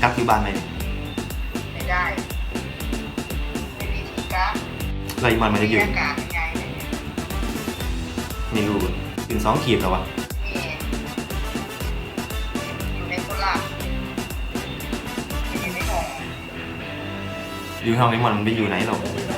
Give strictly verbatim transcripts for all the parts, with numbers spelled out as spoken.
กักอยู่บ้านไหมไม่ได้ไม่มีที่กักไรมันมันจะอยู่อากาศยังไงเนี่ยไม่รู้ถึงสองขีดแล้ววะนี่อยู่ในโคราชอยู่ในห้องอยู่ห้องนี้มันไม่อยู่ไหนหรอก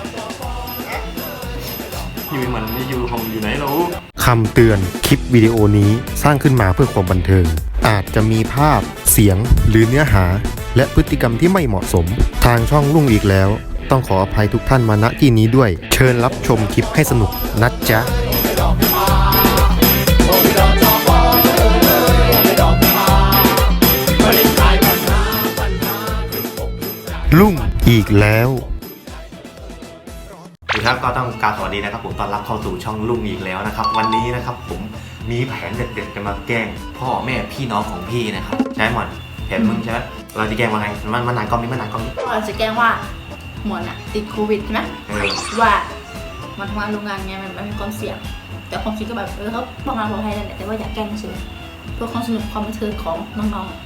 อยู่มันไม่อยู่ห้องอยู่ไหนหรอกคำเตือนคลิปวิดีโอนี้สร้างขึ้นมาเพื่อความบันเทิงอาจจะมีภาพเสียงหรือเนื้อหาและพฤติกรรมที่ไม่เหมาะสมทางช่องลุ่งอีกแล้วต้องขออภัยทุกท่านมาณที่นี้ด้วยเชิญรับชมคลิปให้สนุกนะจ๊ะลุ่งอีกแล้วสวัสดีครับก็ต้องกราบสวัสดีนะครับผมต้อนรับเข้าสู่ช่องลุ่งอีกแล้วนะครับวันนี้นะครับผมมีแผนเด็ดๆจะมาแกล้งพ่อแม่พี่น้องของพี่นะครับใช่หมดแผนมึงใช่ไหมเราจะแกล้งว่าไงมันมันนานกล้องนี้มันนานกล้องนี้เราจะแกล้งว่าหมอนอะติดโควิดใช่ไหมว่ามันทำงานโรงงานไงมันไม่มีความเสี่ยงแต่ความจริงก็แบบเออเขาประมาณปลอดภัยนั่นแหละแต่ว่าอยากแกล้งเฉยเพื่อความสนุกความบันเทิงของน้อง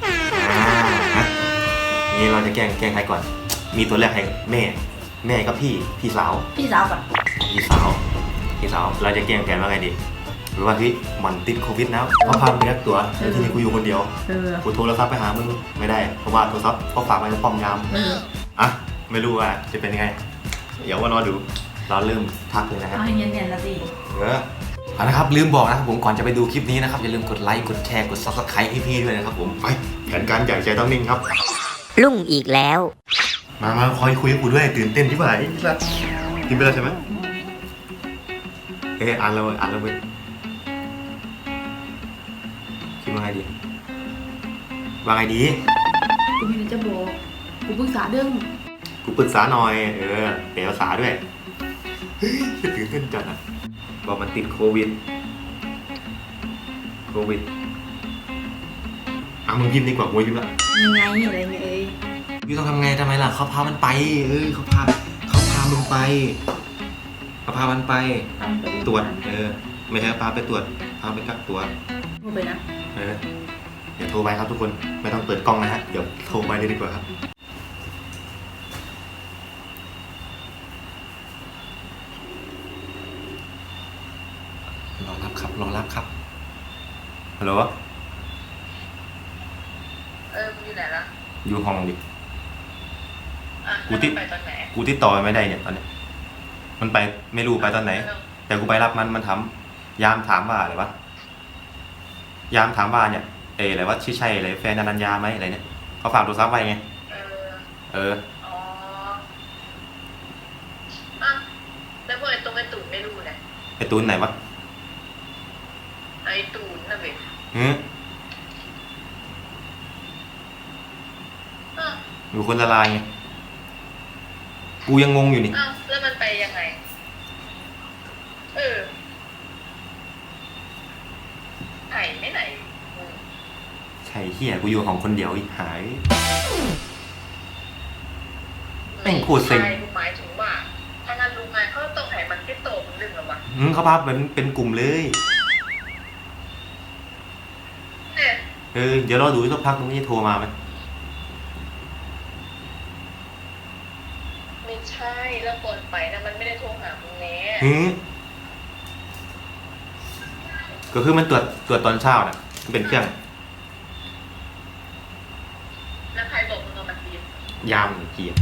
ๆนี่เราจะแกล้งแกล้งใครก่อนมีตัวแรกให้แม่แม่กับพี่พี่สาวพี่สาวก่อนพี่สาวพี่สาวเราจะแกล้งแผนว่าไงดีหรือว่าเฮ้ยมันติดโควิดแล้วเขาพาไปรักตัวแล้วทีนี้กูอยู่คนเดียวกูโทรศัพท์ไปหามึงไม่ได้เพราะว่าโทรศัพท์เขาฝากไว้ในป้อมยามอ่ะไม่รู้ว่าจะเป็นยังไงเดี๋ยวว่ารอดูเราเริ่มทักเลยนะครับเอาให้เนียนๆละสิเออเอาละครับลืมบอกนะครับผมก่อนจะไปดูคลิปนี้นะครับอย่าลืมกดไลค์กดแชร์กด ซับสไครบ์ ให้พี่ด้วยนะครับผมไปแผนการใหญ่ใจต้องนิ่งครับลุ่งอีกแล้วมามาคอยคุยกับกูด้วยตื่นเต้นที่ไหนล่ะกินไปแล้วใช่ไหมเอออ่านแล้วอ่านแล้วเว้ยคิดว่าไงดีว่าไงดีกูมีอะไรจะบอกกูปรึกษาเรื่องกูปรึกษาหน่อยเออเดี๋ยวภาษาด้วยเฮ้ยตื่นเต้นจัดอ่ะบอกมันติดโควิดโควิดอ่ะมึงยิ้มดีกว่ากูยิ้มละยังไงอะไรเงี้ยเอ้ยยูต้องทำไงทำไมล่ะเขาพามันไปเออเขาพาเขาพามึงไปเขาพามันไปตรวจเออไม่ใช่พาไปตรวจพาไปกักตัวโทรไปนะเออเดี๋ยวโทรไปครับทุกคนไม่ต้องเปิดกล้องนะฮะเดี๋ยวโทรไปเลยดีกว่าครับรอรับครับรอรับครับฮัลโหลเออมึงอยู่ไหนล่ะอยู่ห้องดิกูติดไปตอนไหนกูติดต่อไม่ได้เนี่ยตอนนี้มันไปไม่รู้ไปตอนไหนแต่กูไปรับมันมันถามยามถามว่าอะไรวะยามถามว่าเนี่ยเอออะไรวะชื่อใช่อะไรแฟนอนัญญาไหมอะไรเนี่ยเขาฝากโทรศัพท์ไว้ไงเออเอออ๋ออ่ะแล้วพวกไอ้ตรงไอ้ตูนไม่รู้เลยไอ้ตูนไหนวะไอ้ตูนนะเว้ยหืมอยู่คนละลายไงกูยังงงอยู่นี่อ้าวแล้วมันไปยังไงเออไผ่ไม่ไหนใช่เฮียกูอยู่ของคนเดียวอีกหายแม่งโคตรเซ็งหมายถึงว่าถ้างานลุงงานเขาต้องให้มันติดโตมันดึงหรอวะอืมเขาพาเป็นเป็นกลุ่มเลยเนี่ยเออเดี๋ยวรอดูสักพักมึงจะโทรมาไหมไม่ใช่แล้วก่อนไปนะมันไม่ได้โทรหามึงแน่ฮึก็คือมันตรวจตรวจตอนเช้าน่ะมันเป็นเครื่องแล้วใครบอกมึงเอามันตียามเกียร์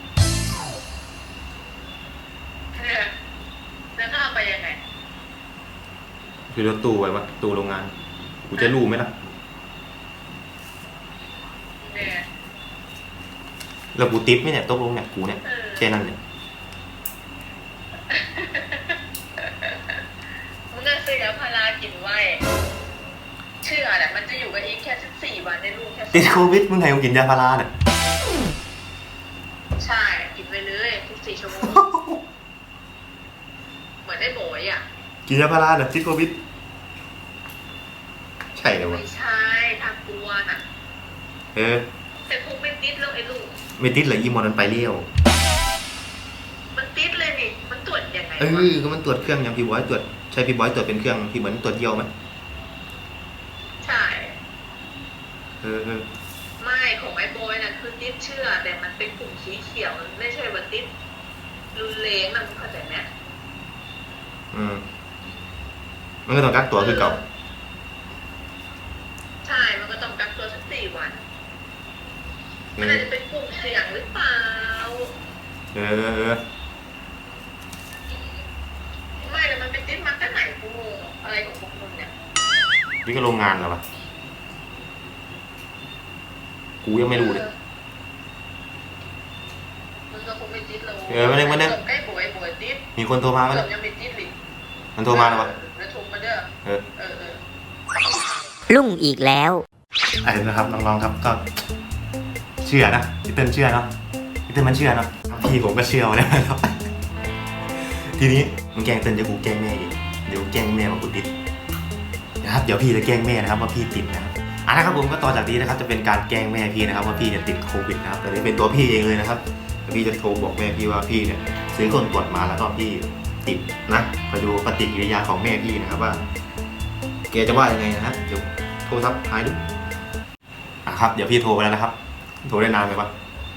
แล้วถ้าเอาไปยังไงคือรถตู้ไว้วะตู้โรงงานกูจะรู้ไหมล่ะเนี่ยแล้วกูติ๊บไหมเนี่ยตกลงเนี่ยกูเนี่ยแค่นั้นเลยมึงก็ซื้อยาพารากินไว้เชื่อแหละมันจะอยู่กันอีกแค่สิบสี่วันในลูกแค่ติดโควิดมึงไงมึงกินยาพาราเนี่ยใช่กินไปเลยทุกสี่ชั่วโมงเหมือนได้โบยอ่ะกินยาพาราเนี่ยติดโควิดใช่เลยวะไม่ใช่ทางกลัวน่ะเออแต่คงไม่ติดแล้วไอ้ลูกไม่ติดเลยอีมอนมันไปเลี้ยวมันติดเลยนี่มันตรวจยังไงเออก็มันตรวจเครื่องอย่างพี่บอยตรวจใช่พี่บอยตรวจเป็นเครื่องที่เหมือนตรวจเยี่ยวไหมใช่เออเออไม่ของไอ้บอยน่ะคือติดเชื้อแต่มันเป็นกลุ่มสีเขียวมันไม่ใช่ว่าติดรุนแรงมันเข้าใจไหมอืมมันก็ต้องกักตัวคือเก่าใช่มันก็ต้องกักตัวสักสี่วันมันอาจจะเป็นกลุ่มเสี่ยงหรือเปล่าเออไม่แต่มันเป็นติดมาตั้งไหนกูงงอะไรของพวกมึงเนี่ยนี่ก็โรงงานเหรอวะกูยังไม่รู้เลยมันก็คงไม่ติดเราเออมาเนี่ยมาเนี่ยใกล้ป่วยป่วยติดมีคนโทรมาไหมเกืเนี่อย บยังไม่ติดเลยมันโทรมาแล้ววะแล้วโทรมาเด้อเออเออเออรุ่งอีกแล้วไอ้นะครับน้องๆครับก็เชื่อนะพี่เติ้ลเชื่อเนาะพี่เติ้ลมันเชื่อเนาะพี่ผมก็เชื่อนะครับ ทีนี้มึงแกล้งเติ้ลจะกูแกล้งแม่อีกเดี๋ยวแกล้งแม่ว่ากูติดนะครับเดี๋ยวพี่จะแกล้งแม่นะครับว่าพี่ติดนะครับอ่ะนะครับผมก็ต่อจากนี้นะครับจะเป็นการแกล้งแม่พี่นะครับว่าพี่เนี่ยติดโควิดนะครับแต่นี่เป็นตัวพี่เองเลยนะครับพี่จะโทรบอกแม่พี่ว่าพี่เนี่ยซื้อคนตรวจมาแล้วก็พี่ติดนะมาดูปฏิกิริยาของแม่พี่นะครับว่าแกจะว่ายังไงนะครับเดี๋ยวโทรศัพท์หายดูอ่ะครับเดี๋ยวพี่โทรไปแล้วนะครับโทรได้นานไหมวะ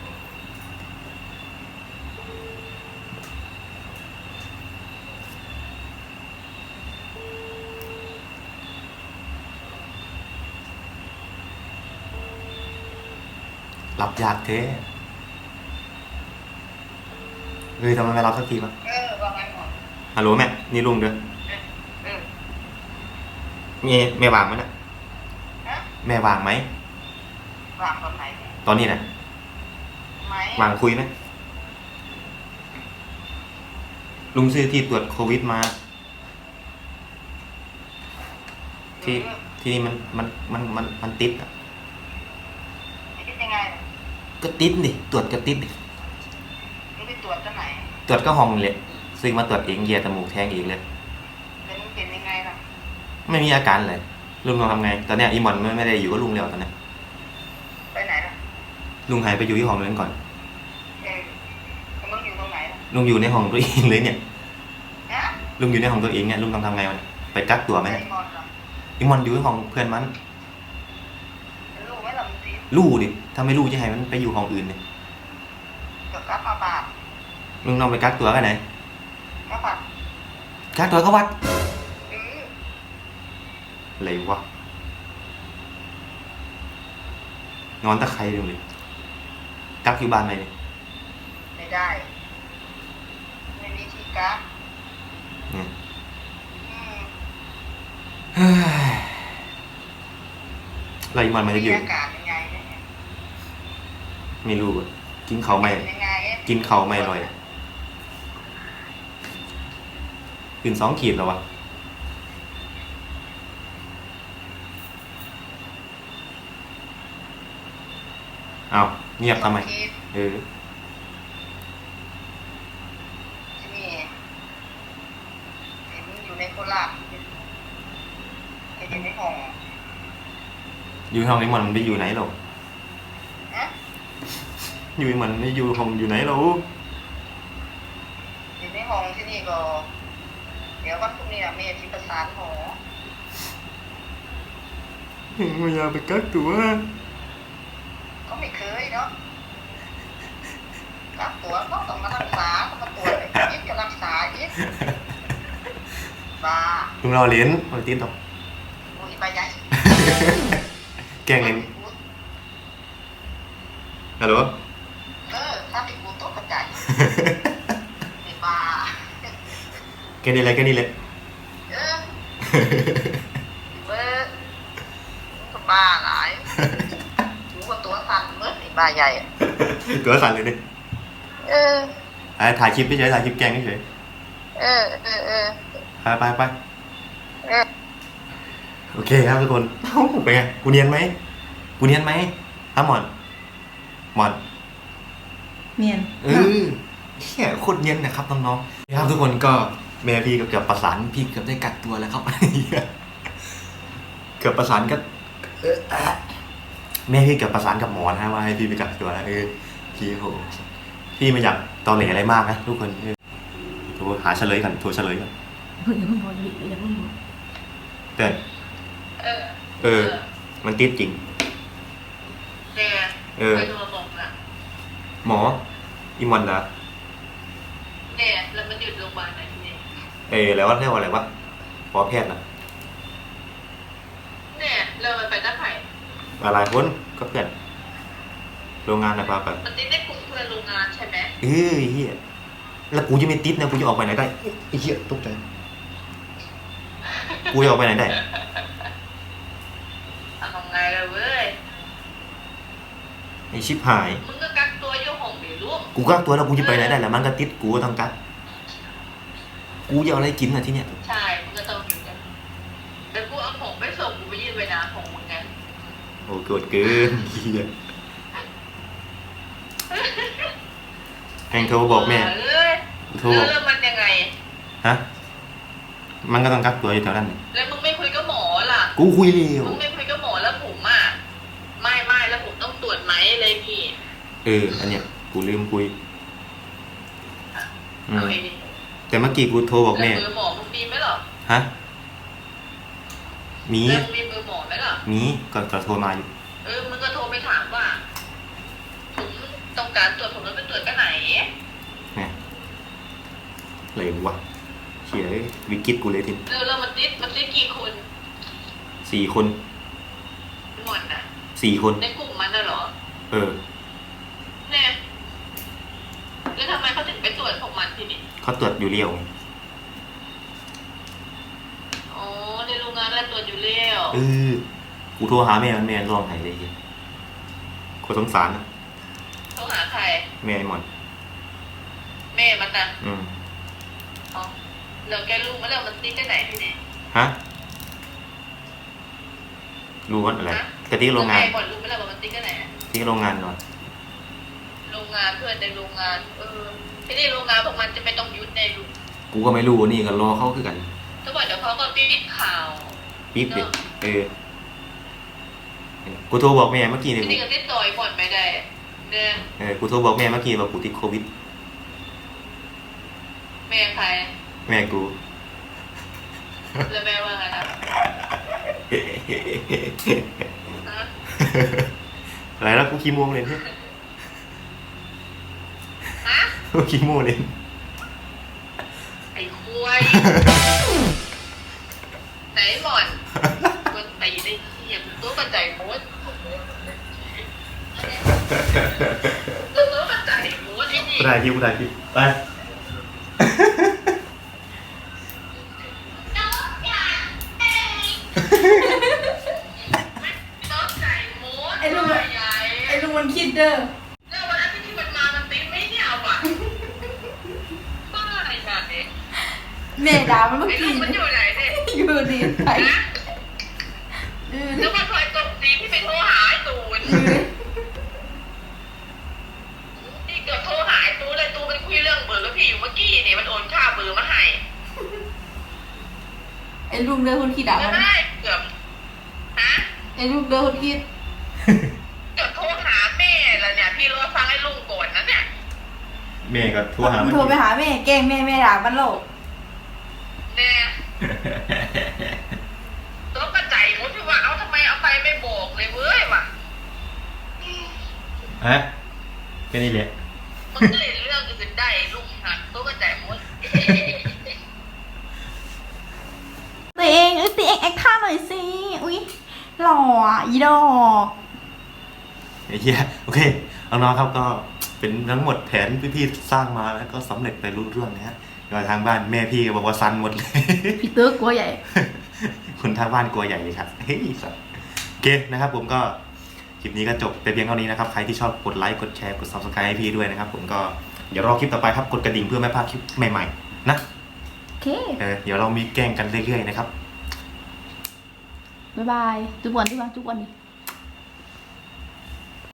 หลับยากเท่เฮ้ยทำไมไม่รับสักทีวะเออว่าไงหมอฮัลโหลแม่นี่ลุงเด้อเออมีแม่วางไหมนะฮะแม่วางไหมวางตอนไหนเนี่ยตอนนี้นะไหมวางคุยไหมลุงซื้อที่ตรวจโควิดมา ที่ที่นี่มันมันมันมันมันติดอ่ะคิดยังไงก็ติดดิตรวจก็ติดดิมึงไปตรวจที่ไหนตรวจก็ห้องนี่แหละซึ่งมาตรวจเองเหยียดจมูกแทงเองเลยแล้วมึงเป็นยังไงล่ะไม่มีอาการเลยลุงลองทำไงตอนเนี้ยอีหมอนไม่ไม่ได้อยู่กับลุงแล้วตอนเนี้ยไปไหนล่ะลุงหายไปอยู่ที่ห้องนั้นก่อนเออแล้วมึงอยู่ตรงไหนล่ะลุงอยู่ในห้องตัวเองเลยเนี่ยฮะลุงอยู่ในห้องตัวเองเนี่ยลุงต้องทำไงวะเนี่ยไปกักตัวไหมไอ้เนี่ยมอนล่ะอีหมอนอยู่ในห้องเพื่อนมันรู้ไหมล่ะมึงติดลู่ดิถ้าไม่ลู่จะให้มันไปอยู่ห้องอื่นเนี่ยเกี่ยวกับอาบาดลุงต้องไปกักตัวกันไหนอาบาดกักตัวก็วัดเอออะไรวะนอนตะไคร้เลยกักอยู่บ้านไหนเนี่ยไม่ได้ไม่มีที่กักเนี่ยอืมเฮ้ยอะไรมันมันจะอยู่มีอาการยังไงเนี่ยไม่รู้อะกินเขาวไม่เป็นยังไงอะกินเขาวไม่อร่อยขึ้นสองขีดแล้ววะเอาเงียบทำไมคิดเออที่นี่เห็นอยู่ในโคราชเห็นอยู่ในห้องอยู่ห้องนี้มันไปอยู่ไหนหรอฮะอยู่มันไม่อยู่ห้องอยู่ไหนหรออยู่ในห้องที่นี่ก็ เดี๋ยววันพรุ่งนี้อะเมย์ที่ประสานหมอไม่อยากไปกักตัวก็ไม่เคยเนาะกักตัวก็ต้องมารักษาต้องมาตรวจไอ้ยิดก็รักษายิดบ้าลุงเราเลี้ยนมาติดหรอกอุ้ยไปใหญ่แกล้งเองฮัลโหลเออถ้าติดกูตกกระจายไอ้บ้าแกนี่แหละแกนี่แหละเออเบอร์ก็บ้าหลายกูก็ตัวสั่นเมื่อไอ้บ้าใหญ่อะตัวสั่นเลยดิเออไอ้ถ่ายคลิปไม่เฉยถ่ายคลิปแกล้งไม่เฉยเออเออเออไปไปไปเออโอเคครับทุกคนเอ้าเป็นไงกูเนียนไหมกูเนียนไหมอ้าวหมอนหมอนเนียนเออเฮียโคตรเนียนนะครับน้องๆนะครับทุกคนก็แม่พี่ก็เกือบประสานพี่เกือบได้กักตัวแล้วครับ เกือบประสานกับเอ่อแม่พี่เกือบประสานกับหมอนะว่าให้พี่ไปกักตัวแล้วเออพี่โหพี่ไม่อยากตอแหลอะไรมากนะทุกคนเออโทรหาเฉลยกันโทรเฉลยกันเฮ้ยอย่าเพิ่งบอกอย่าเพิ่งบอกเตือนเออเออ มันติดจริงแกเออไปโทรบอกแหมออีมอนเหรอเนี่ยแล้วมันอยู่โรงพยาบาลไหนเนี่ยเออแล้วว่าเรียกว่าอะไรวะหมอแพทย์นะเนี่ยเรามันไปหน้าไผ่อะไรคนก็เพื่อนโรงงานนะป้าไปมันติดได้กลุ่มเพื่อนโรงงานใช่ไหมเอ้ยเฮียแล้วกูจะไม่ติดนะกูจะออกไปไหนได้ไอ้เหี้ยตกใจกูจะออกไปไหนได้ทำไงเลยเว้ยไอ้ชิบหายมึงก็กักตัวอยู่ห้องเดี๋ยวลูกกูกักตัวแล้วกูจะไปไหนได้ล่ะมันก็ติดกูก็ต้องกักกูจะเอาอะไรกินอ่ะที่เนี้ยใช่มึงก็ต้องอยู่กันแต่กูเอาของไปส่งกูไปยื่นไปนาของมึงไงโอ้โกรธเกินเฮียแพงโทรบอกแม่เอ้ยโทรแล้วแล้วมันยังไงฮะมันก็ต้องกักตัวอยู่แถวนั้นแล้วมึงไม่คุยกับหมอล่ะกูคุยเร็วมึงไม่คุยกับหมอแล้วผมอ่ะไม่ไม่แล้วผมต้องตรวจไหมเลยพี่เอออันเนี้ยกูลืมคุยอืเอามไอ้ดิแต่เมื่อกี้กูโทรบอกแล้วแม่เบอร์หมอมึงมีไหมหรอฮะมีแล้วมึงมีเบอร์หมอไหมหรอมีก่อนก่อนโทรมาอยู่เออมึงก็โทรไปถามว่าผมต้องการตรวจผมต้องไปตรวจกันไหนเนี่ยอะไรวะเขียวิกฤตกูเลยทีเออแล้วมันติดมันติดกี่คนสี่คนหมดน่ะสี่คนในกลุ่มมันน่ะเหรอเออเนี่ยแล้วทำไมเขาถึงไปตรวจของมันทีนี้เขาตรวจอยู่เรียวไงอ๋อในโรงงานแล้วตรวจอยู่แล้วเออกูโทรหาแม่มันแม่ร้องไห้เลยเหี้ยกูสงสารนะเขาหาใครแม่ไอ้หมอนแม่มันน่ะอืมอ๋อแล้วแกรู้มาแล้วมันติดที่ไหนที่ไหนฮะรู้ว่าอะไรกะที่โรงงานแม่ก่อนรู้มาแล้วว่ามันติดที่ไหนที่โรงงานนอนโรงงานเพื่อนในโรงงาน เออที่นี่โรงงานพวกมันจะไม่ต้องยุดในลูกกูก็ไม่รู้นี่ก็รอเขาคือกันถ้าบอกเดี๋ยวเขาก็ปิดข่าวปิ๊บเด็กเออกูโทรบอกแม่เมื่อกี้เนี่ยที่นี่ก็ติดต่อยบ่อนไม่ได้เนี่ยเออกูโทรบอกแม่เมื่อกี้ว่ากูติดโควิดแม่ใครแม่กูแล้วแม่ว่าไงนะฮะอะไรแล้วกูขี้โมงเลยเนี่ยฮะกูขี้โมงเลยไอ้ควายไหนหมอนมันตีได้เหี้ยตัวกระจายโมดตัวกระจายโมดที่นี่กูถ่ายคลิปกูถ่ายคลิปไปตัวกระจายโมดไอ้ลุงใหญ่ไอ้ลุงมันคิดเด้อแล้ววันนั้นที่มันมามันตีไม่เนี่ยเอาอ่ะบ้าอะไรแบบนี้แม่ด่ามันเมื่อไอ้ลูกี้กมันอยู่ไหนเนี่ยอยู่ดีไปนะเออแล้วมันคอยตบตีที่ไปโทรหาไอ้ตูนนี่เกือบโทรหาไอ้ตูนเลยตูนมันคุยเรื่องเบอร์กับพี่อยู่เมื่อกี้เนี่ยมันโอนค่าเบอร์มาให้ไอ้ลุงเด้อคนคิดด่าไม่มันได้เกือบฮะไอ้ลุงเด้อคนคิดเกือบโทรหาแม่แล้วเนี่ยพี่รอฟังไอ้ลุงก่อนนะเนี่ยแม่ก็โทรหามันโทรไปหาแม่แกล้งแม่แม่ด่ามันโลกเนี่ยตัวกระจายหมดที่ว่าเอาทำไมเอาไปไม่บอกเลยเว้ยว่ะฮะแค่นี้แหละมันก็เลยเรื่องอื่นได้ลุงหักตัวกระจายหมดตัวเองเอ้ยตัวเองแอคท่าหน่อยสิอุ้ยหล่ออ่ะอีดอกไอ้เหี้ยโอเคน้องๆครับก็เป็นทั้งหมดแผนที่พี่สร้างมาแล้วก็สำเร็จไปรุ่ร่วงนะฮะอยู่ทางบ้านแม่พี่ก็บอกว่าซันหมดเลยพี่เตอร์กลัวใหญ่คนทางบ้านกลัวใหญ่เลยครับเฮ้ยสัสโอเคนะครับผมก็คลิปนี้ก็จบไปเพียงเท่านี้นะครับใครที่ชอบกดไลค์กดแชร์กด ซับสไครบ์ ให้พี่ด้วยนะครับผมก็เดี๋ยวรอคลิปต่อไปครับกดกระดิ่งเพื่อไม่พลาดคลิปใหม่ๆนะโอเคเออเดี๋ยวเรามีแกล้งกันเรื่อยๆนะครับบ๊ายบายจุ๊บวันจุ๊บวันจุ๊บวันดิ